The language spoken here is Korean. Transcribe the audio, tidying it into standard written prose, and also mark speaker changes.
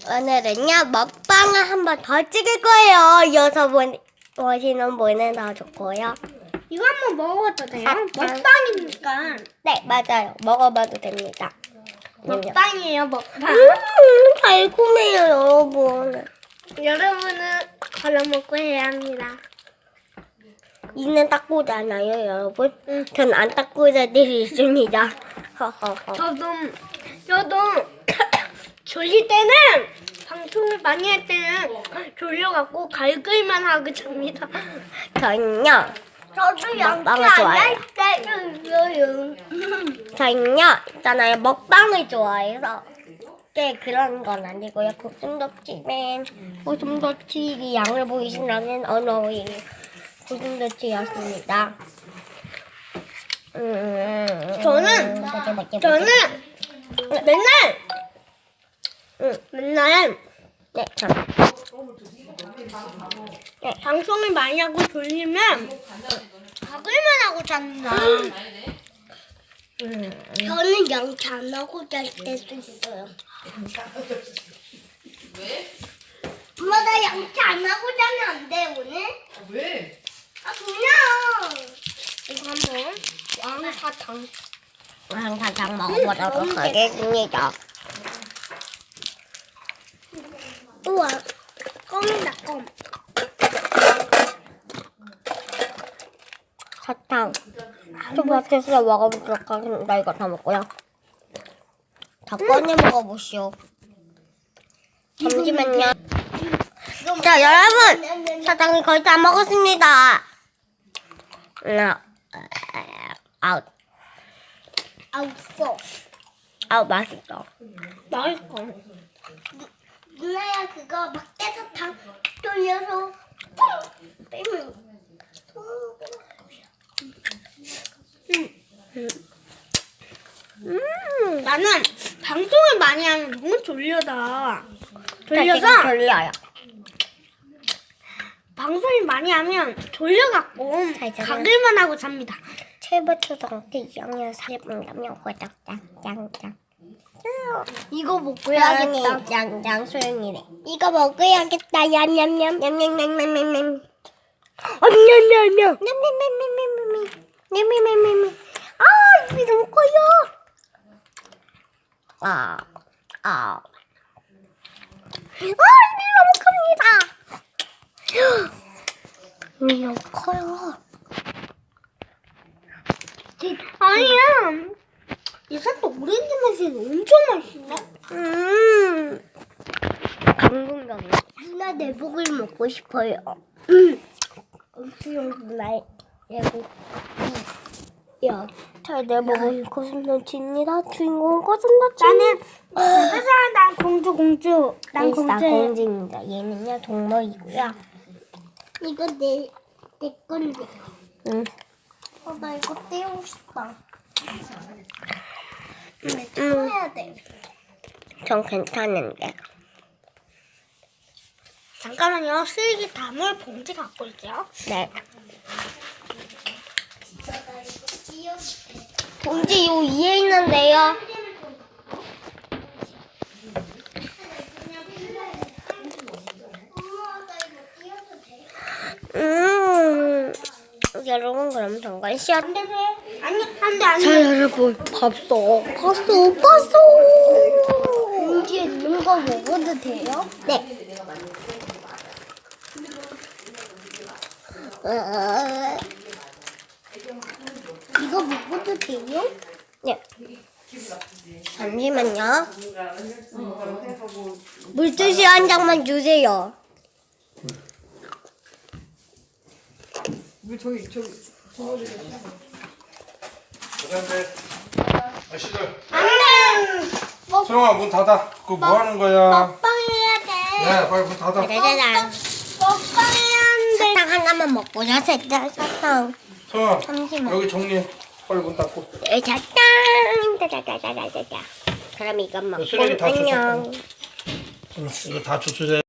Speaker 1: 오늘은요 먹방을 한번 더 찍을 거예요. 이어서 보시는 분은 더 좋고요.
Speaker 2: 이거 한번 먹어봐도 돼요?
Speaker 1: 아,
Speaker 2: 먹방이니까.
Speaker 1: 네 맞아요. 먹어봐도 됩니다.
Speaker 2: 먹방이에요, 먹방.
Speaker 1: 달콤해요 여러분.
Speaker 2: 여러분은 걸어먹고 해야 합니다.
Speaker 1: 이는 닦고잖아요 여러분. 전 안 닦고 자들이 있습니다. 허허허.
Speaker 2: 저도 졸릴 때는 방송을 많이 할 때는 졸려갖고 갈글만 하고 잡니다.
Speaker 1: 저는요
Speaker 2: 저도
Speaker 1: 먹방을 좋아해요.
Speaker 2: 때는요.
Speaker 1: 저는요 있잖아요 먹방을 좋아해서 그런 건 아니고요. 고슴도치이 양을 보이신다면 언어의 고슴도치였습니다.
Speaker 2: 저는 맨날
Speaker 1: 네,
Speaker 2: 방송을 많이 하고 졸리면 가글만 하고 잡니다. 저는 양치 안 하고 잘 때도 있어요. 엄마 나 양치 안 하고 자면 안 돼 오늘?
Speaker 3: 왜?
Speaker 2: 아 그냥 이거 한번
Speaker 1: 왕사탕 먹어보도록 하겠습니다.
Speaker 2: 우와 껌이다 껌.
Speaker 1: 사탕 초밥해서 먹어보도록 하겠습니다. 이거 다 먹고요. 다 꺼내 먹어보시오. 잠시만요. 자 여러분 사탕이 거의 다 먹었습니다. 아웃
Speaker 2: 아웃어.
Speaker 1: 아웃 맛있어.
Speaker 2: 맛있어. 누나야 그거 밖에서 다 돌려서 빼면. 나는 방송을 많이 하면 너무 졸려서
Speaker 1: 졸려요.
Speaker 2: 방송을 많이 하면 졸려갖고
Speaker 1: 잘 자요.
Speaker 2: 가글만 하고 잡니다.
Speaker 1: 최고초등학교 2학년 4분이라면 짱짱짱.
Speaker 2: 이거 먹어야겠다.
Speaker 1: 짱짱 소영이래.
Speaker 2: 이거 먹어야겠다. 얌얌얌.
Speaker 1: 냠냠냠냠냠냠.
Speaker 2: 냠냠냠냠.
Speaker 1: 냠냠냠냠냠냠. 아 입이 너무 커요. 입이 너무 큽니다. 입이 너무 커요.
Speaker 2: 아니야. 이 사또 오렌지 맛이 엄청 맛있네.
Speaker 1: 감동적이야.
Speaker 2: 누나 내복을 먹고 싶어요.
Speaker 1: 수영날 예고. 야, 잘 내먹은 고슴도치입니다. 주인공은 고슴도치.
Speaker 2: 난 공주. 난
Speaker 1: 일사
Speaker 2: 공주.
Speaker 1: 공주입니다. 얘는요 동물이고요.
Speaker 2: 이거 내 건데.
Speaker 1: 나 이거 떼고 싶다.
Speaker 2: 해야 돼.
Speaker 1: 전 괜찮은데.
Speaker 2: 잠깐만요. 쓰레기 담을 봉지 갖고 올게요.
Speaker 1: 네. 봉지 요 위에 있는데요. 여러분 그럼 잠깐 시작.
Speaker 2: 아니, 안 돼.
Speaker 1: 자 여러분 봤어.
Speaker 2: 봉지에 있는 거 먹어도 돼요?
Speaker 1: 네.
Speaker 2: 이거 먹어도 돼요?
Speaker 1: 네. 잠시만요. 물티슈 한 장만 주세요.
Speaker 3: 왜 저기
Speaker 4: 아씨들
Speaker 2: 안 돼.
Speaker 4: 소영아 문 닫아. 그거 뭐 하는 거야?
Speaker 2: 먹방 해야 돼.
Speaker 4: 네 빨리 문 닫아.
Speaker 1: 짜자잔.
Speaker 2: 먹방 해야 하는데.
Speaker 1: 사탕 하나만 먹고요. 사탕.
Speaker 4: 소영아
Speaker 1: 잠시만.
Speaker 4: 여기 정리해. 빨리 문 닫고.
Speaker 1: 사탕. 짜자자자자자. 그럼 이건 먹고
Speaker 4: 쓰레기 다
Speaker 1: 안녕.
Speaker 4: 이거 다 주스래.